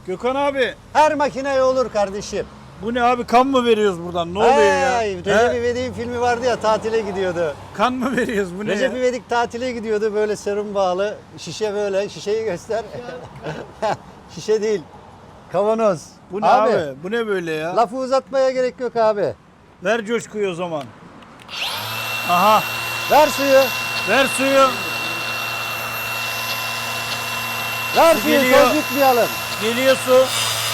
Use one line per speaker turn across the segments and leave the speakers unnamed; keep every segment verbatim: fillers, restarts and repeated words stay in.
Gökhan abi.
Her makineye olur kardeşim.
Bu ne abi, kan mı veriyoruz buradan? Ne oluyor ya?
Hey, Recep İvedik'in filmi vardı ya, tatile gidiyordu.
Kan mı veriyoruz, bu ne
Recep
ya?
İvedik tatile gidiyordu, böyle serum bağlı. Şişe böyle. Şişeyi göster. Şişe değil. Kavanoz.
Bu ne abi? Bu ne böyle ya?
Lafı uzatmaya gerek yok abi.
Ver coşkuyu o zaman. Aha.
Ver suyu.
Ver suyu.
Ver
Su
suyu,
geliyor.
söz yutmayalım.
Geliyor su.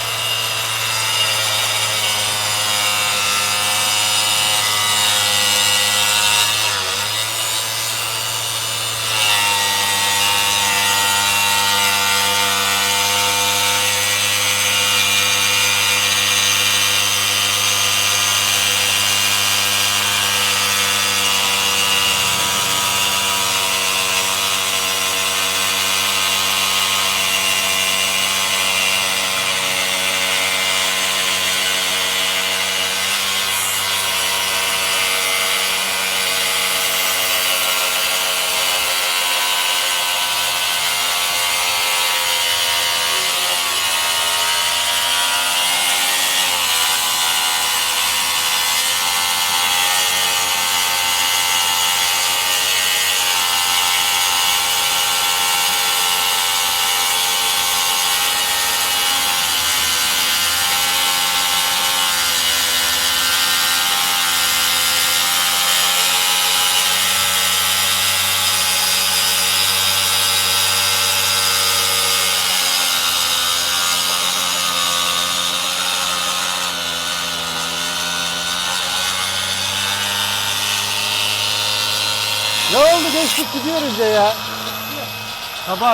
Ne oldu, geçtik gidiyoruz ya ya.
Kapat.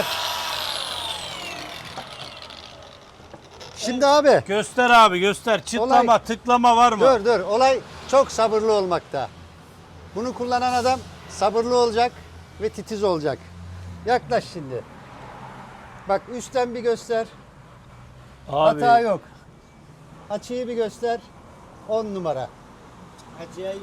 Şimdi abi.
Göster abi, göster. Çıtlama,
Olay-
tıklama var mı?
Dur dur, olay çok sabırlı olmakta. Bunu kullanan adam sabırlı olacak ve titiz olacak. Yaklaş şimdi. Bak, üstten bir göster.
Abi.
Hata yok. Açıyı bir göster. on numara.
Acayip.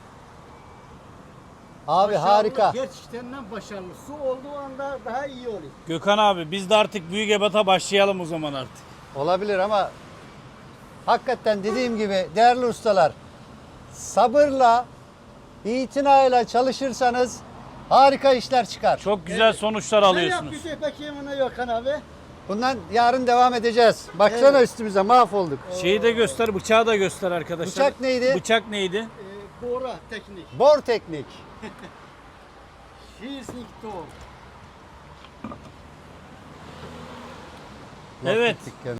Abi
Başarılı,
harika.
Gerçekten başarılı. Su olduğu anda daha iyi oluyor.
Gökhan abi, biz de artık büyük ebata başlayalım o zaman artık.
Olabilir ama hakikaten dediğim gibi değerli ustalar, sabırla, itinayla çalışırsanız harika işler çıkar.
Çok güzel sonuçlar
Ne
alıyorsunuz.
yapıyorsun peki bana Gökhan abi?
Bundan yarın devam edeceğiz. Baksana
Evet.
üstümüze mahvolduk.
Şeyi de göster, bıçağı da göster arkadaşlar.
Bıçak neydi?
Bıçak neydi?
Ee, Bora teknik.
Bor teknik.
Schießlich Tor.
Evet.
Laf bittik ya.